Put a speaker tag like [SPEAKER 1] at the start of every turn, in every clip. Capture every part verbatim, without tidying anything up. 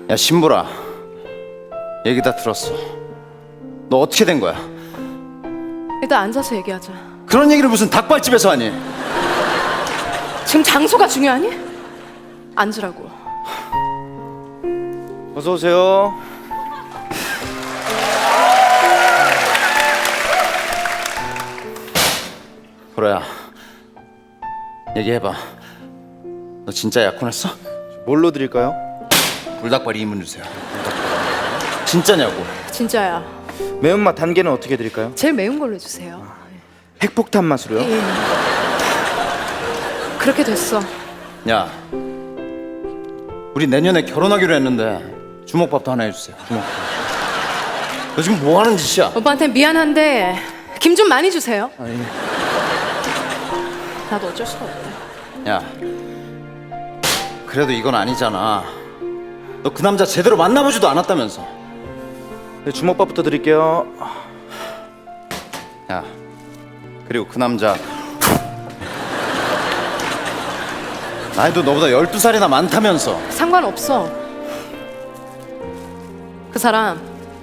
[SPEAKER 1] 야 신보라, 얘기 다 들었어. 너 어떻게 된 거야?
[SPEAKER 2] 일단 앉아서 얘기하자.
[SPEAKER 1] 그런 얘기를 무슨 닭발집에서 하니?
[SPEAKER 2] 지금 장소가 중요하니? 앉으라고.
[SPEAKER 3] 어서 오세요.
[SPEAKER 1] 보라야, 얘기해봐. 너 진짜 약혼했어?
[SPEAKER 3] 뭘로 드릴까요?
[SPEAKER 1] 불닭발 이 인분 주세요. 진짜냐고?
[SPEAKER 2] 진짜야.
[SPEAKER 3] 매운맛 단계는 어떻게 드릴까요?
[SPEAKER 2] 제일 매운 걸로 해주세요.
[SPEAKER 3] 핵폭탄 맛으로요?
[SPEAKER 2] 예. 그렇게 됐어.
[SPEAKER 1] 야, 우리 내년에 결혼하기로 했는데 주먹밥도 하나 해주세요. 주먹밥. 너 지금 뭐 하는 짓이야?
[SPEAKER 2] 오빠한테 미안한데 김 좀 많이 주세요.
[SPEAKER 3] 아, 예.
[SPEAKER 2] 나도 어쩔 수가 없다.
[SPEAKER 1] 야, 그래도 이건 아니잖아. 너 그 남자 제대로 만나보지도 않았다면서.
[SPEAKER 3] 네, 주먹밥부터 드릴게요.
[SPEAKER 1] 야, 그리고 그 남자 나이도 너보다 열두 살이나 많다면서.
[SPEAKER 2] 상관없어. 그 사람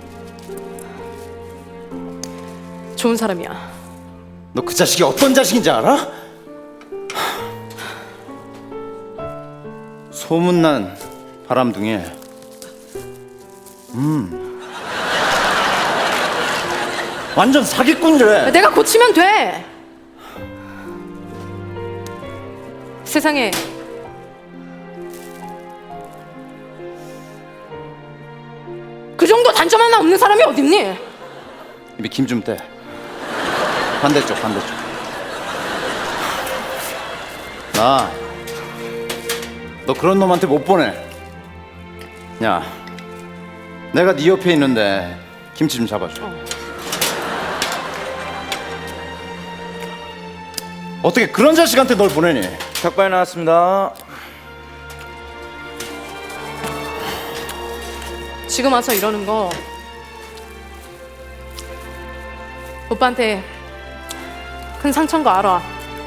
[SPEAKER 2] 좋은 사람이야.
[SPEAKER 1] 너 그 자식이 어떤 자식인지 알아? 소문난 바람둥이. 음, 완전 사기꾼이래.
[SPEAKER 2] 내가 고치면 돼. 세상에 그 정도 단점 하나 없는 사람이 어딨니?
[SPEAKER 1] 입에 김 좀 떼. 반대쪽, 반대쪽. 나 너 그런 놈한테 못 보내. 야, 내가 네 옆에 있는데 김치 좀 잡아줘.
[SPEAKER 2] 어.
[SPEAKER 1] 어떻게 그런 자식한테 널 보내니?
[SPEAKER 3] 닭발 나왔습니다.
[SPEAKER 2] 지금 와서 이러는 거 오빠한테 큰 상처인 거 알아.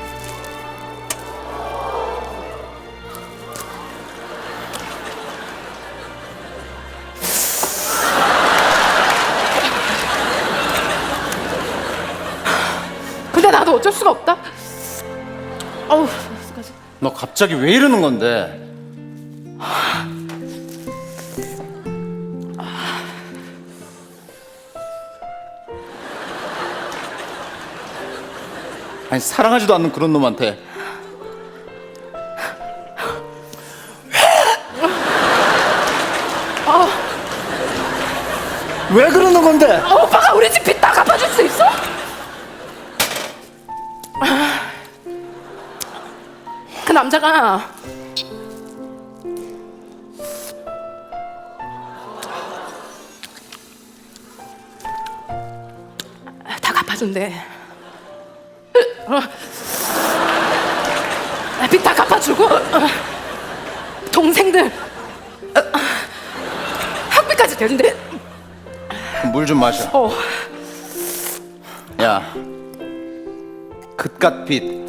[SPEAKER 2] 근데 나도 어쩔 수가 없다. 어우, 어떡하지?
[SPEAKER 1] 너 갑자기 왜 이러는 건데? 아니 사랑하지도 않는 그런 놈한테 왜 그러는 건데?
[SPEAKER 2] 어, 오빠가 우리 집 빚 다 갚아줄 수 있어? 그 남자가 다 갚아준대. 빚 다 갚아주고 동생들 학비까지 대준대.
[SPEAKER 1] 물 좀 마셔.
[SPEAKER 2] 어.
[SPEAKER 1] 야, 그깟 빚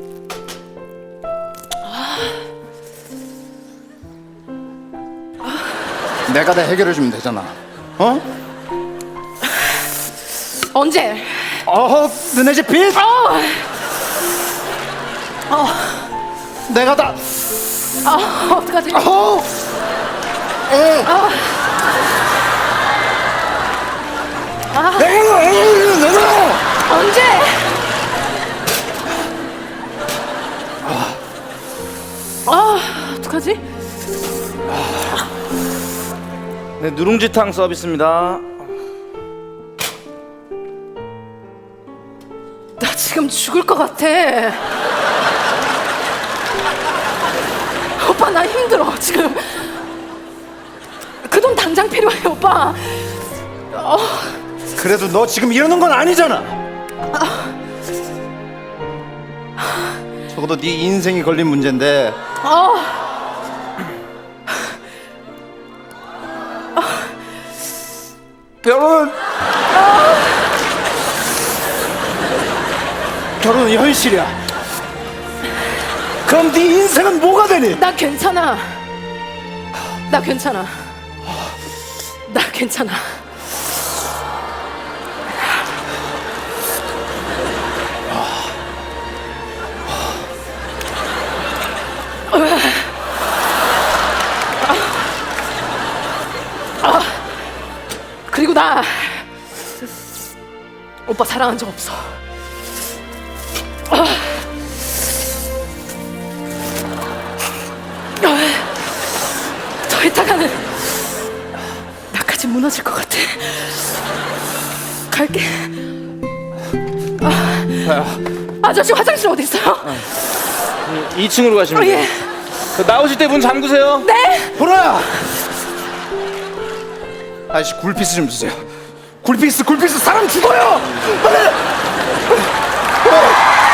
[SPEAKER 1] 내가 다 해결해 주면 되잖아. 어?
[SPEAKER 2] 언제?
[SPEAKER 1] 어, 너네 집 빚?
[SPEAKER 2] 어.
[SPEAKER 1] 내가 다.
[SPEAKER 2] 아, 어떡하지?
[SPEAKER 1] 어.
[SPEAKER 2] 아,
[SPEAKER 1] 내가 내가.
[SPEAKER 2] 언제? 아, 어떡하지?
[SPEAKER 3] 네, 누룽지탕 서비스입니다.
[SPEAKER 2] 나 지금 죽을 것 같아. 오빠 나 힘들어 지금. 그 돈 당장 필요해 오빠. 어,
[SPEAKER 1] 그래도 너 지금 이러는 건 아니잖아. 적어도 네 인생이 걸린 문제인데.
[SPEAKER 2] 어.
[SPEAKER 1] 결혼. 결혼은 현실이야. 그럼 네 인생은 뭐가 되니?
[SPEAKER 2] 나 괜찮아. 나 괜찮아. 나 괜찮아. 그리고 나 오빠 사랑한 적 없어. 더 있다가는 나까지 무너질 것 같아. 갈게. 아저씨 화장실 어디 있어요?
[SPEAKER 3] 이 층으로 가시면
[SPEAKER 2] 어,
[SPEAKER 3] 돼요.
[SPEAKER 2] 예.
[SPEAKER 3] 그 나오실 때 문 잠그세요.
[SPEAKER 2] 네.
[SPEAKER 1] 보라야! 아저씨 굴피스 좀 주세요. 굴피스 굴피스 사람 죽어요! 빨리! 어.